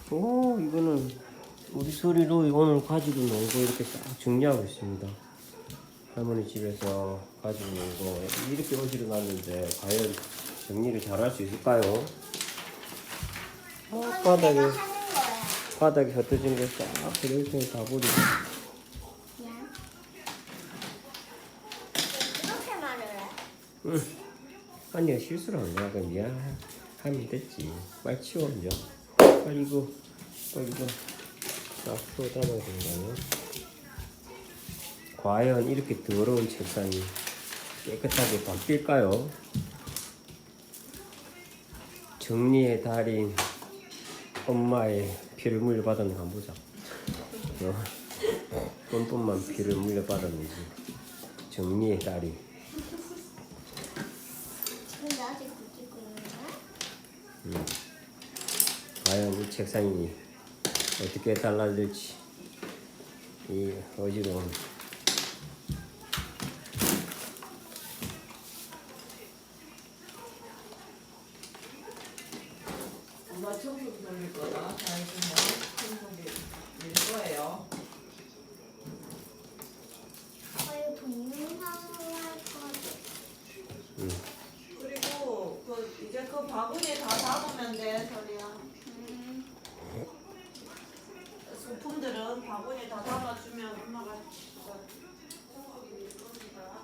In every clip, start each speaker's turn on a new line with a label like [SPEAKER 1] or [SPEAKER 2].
[SPEAKER 1] 오, 이거는 우리 소리로 오늘 가지고 놀고 이렇게 딱 정리하고 있습니다. 할머니 집에서 가지고 놀고 이렇게 어지러 놨는데 과연 정리를 잘 할 수 있을까요? 바닥에 흩어진 거 싹 이렇게 다 버리고.
[SPEAKER 2] 미안. 이렇게 말을 해?
[SPEAKER 1] 응. 아니야, 실수를 한 거야. 그럼 미안하면 됐지. 빨리 치워, 이제. 빨리 이거 싹 풀어 담아야 된다면. 과연 이렇게 더러운 책상이 깨끗하게 바뀔까요? 정리의 달인 엄마의 피를 물려받았는가 한번 보자. 뻔뻔만 피를 물려받았는지. 정리의 달인.
[SPEAKER 2] 근데 아직 못 찍고 있는 거야?
[SPEAKER 1] 과연 이 책상이 어떻게 달라질지. 이 어지러운
[SPEAKER 3] 엄마 청소기 돌릴 거다. 다 있으면 청소기 밀 거예요.
[SPEAKER 2] 이거 동영상으로 할 거지.
[SPEAKER 3] 그리고 이제 그 바구니에 다 담으면 돼, 소리야. 소품들은 바구니에 다 담아주면 엄마가 청소기 밀 겁니다.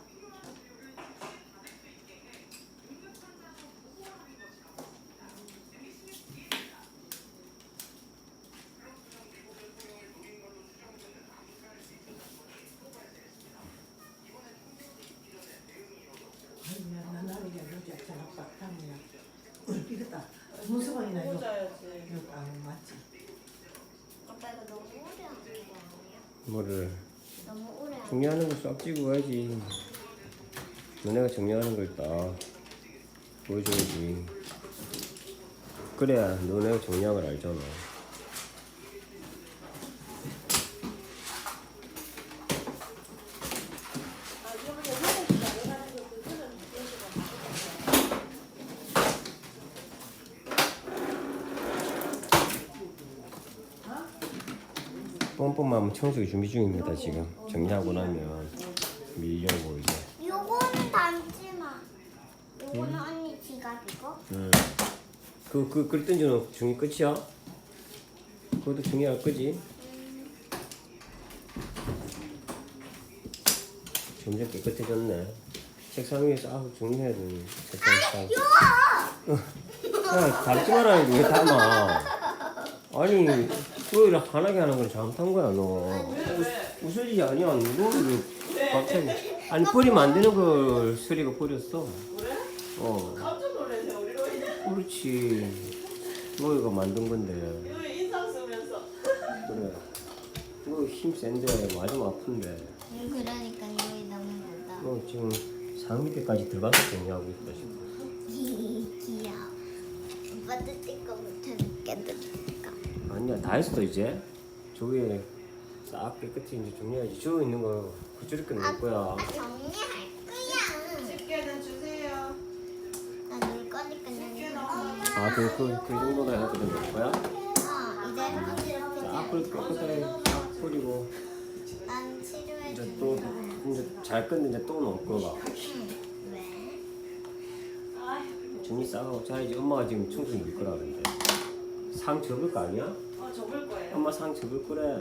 [SPEAKER 4] 아니야, 나는 이게 여기 빡빡하네요. 이거다. 무서워이나 이거.
[SPEAKER 3] 꽂아야지.
[SPEAKER 4] 이거 맞지?
[SPEAKER 2] 아빠 이거 너무 오래 하는 거 아니야?
[SPEAKER 1] 뭐를
[SPEAKER 2] 너무 오래 하는
[SPEAKER 1] 정리하는 거 싹 찍고 가야지. 너네가 정리하는 걸 딱 보여줘야지. 그래야 너네가 정리한 걸 알잖아. 뻔뻔만 청소기 준비 중입니다. 지금 정리하고 나면 밀려고 이제.
[SPEAKER 2] 요거는 담지 마. 요거는 언니 지갑이고.
[SPEAKER 1] 글 던져놓고 정리 끝이야? 그것도 정리할 거지? 점점 깨끗해졌네. 책상 위에 싹 정리해야 되는 책상 싹. 야, 닮지 말아야지. 왜 닮아? 아니, 그걸 환하게 하는 건 잘못한 거야, 너. 웃을 일이 아니야. 이거를 갑자기. 아니, 버리면 안 되는 걸 수리가 버렸어.
[SPEAKER 3] 그래?
[SPEAKER 1] 어.
[SPEAKER 3] 깜짝 놀라세요, 우리 로이.
[SPEAKER 1] 그렇지. 너희가 만든 건데.
[SPEAKER 3] 이거 인상 쓰면서.
[SPEAKER 1] 그래. 너 힘 센데, 맞으면 아픈데.
[SPEAKER 2] 그러니까 여기 너무 못다.
[SPEAKER 1] 너 지금 상 밑에까지 들어가서 정리하고 있다, 지금.
[SPEAKER 2] 귀여워. 오빠도 찍고 못해놓겠다.
[SPEAKER 1] 아니야, 다 했어, 이제. 저 위에 싹 깨끗이 이제 정리해야지. 저 있는 거 그저렇게 놓을 거야.
[SPEAKER 2] 정리할 거야.
[SPEAKER 3] 집게는 주세요.
[SPEAKER 2] 나 놀 거니까
[SPEAKER 3] 집게
[SPEAKER 2] 그냥.
[SPEAKER 3] 넣어.
[SPEAKER 1] 아, 그 정도나 해가지고 놓을 거야?
[SPEAKER 2] 이제
[SPEAKER 1] 싹 그렇게 깨끗하게 싹 뿌리고.
[SPEAKER 2] 난 치료해
[SPEAKER 1] 이제
[SPEAKER 2] 줄게.
[SPEAKER 1] 또, 이제 잘 끝내 이제 또 놓을 거가.
[SPEAKER 2] 왜?
[SPEAKER 1] 정리 싹 하고 자야지. 엄마가 지금 청소기 밀 거라 그러는데. 상 접을 거 아니야?
[SPEAKER 3] 접을 거예요.
[SPEAKER 1] 엄마 상 접을 거래.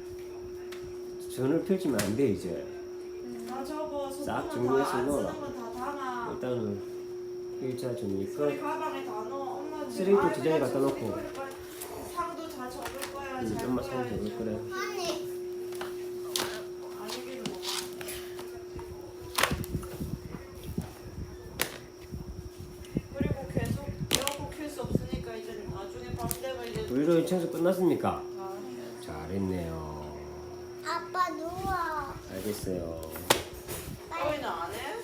[SPEAKER 1] 전을 펼치면 안 돼, 이제.
[SPEAKER 3] 다 접어.
[SPEAKER 1] 싹
[SPEAKER 3] 소품은
[SPEAKER 1] 정리해서
[SPEAKER 3] 다안
[SPEAKER 1] 넣어라.
[SPEAKER 3] 쓰는 건 다 담아.
[SPEAKER 1] 일단은, 일자 정리
[SPEAKER 3] 우리
[SPEAKER 1] 끝.
[SPEAKER 3] 가방에 다 넣어. 엄마
[SPEAKER 1] 쓰레기통 두 장에 갖다 놓고.
[SPEAKER 3] 상도 다 접을 거야. 잘
[SPEAKER 1] 엄마 상
[SPEAKER 3] 꺼야지.
[SPEAKER 1] 접을 거래.
[SPEAKER 2] 아니.
[SPEAKER 3] 아니기는 뭐. 그리고 계속 에어컨 켤 수 없으니까 이제 나중에 밤 되면 이제
[SPEAKER 1] 우리로 청소 끝났습니까?
[SPEAKER 3] 다
[SPEAKER 1] 잘했네요.
[SPEAKER 2] 아빠 누워.
[SPEAKER 1] 알겠어요.
[SPEAKER 3] 저희는 안 해?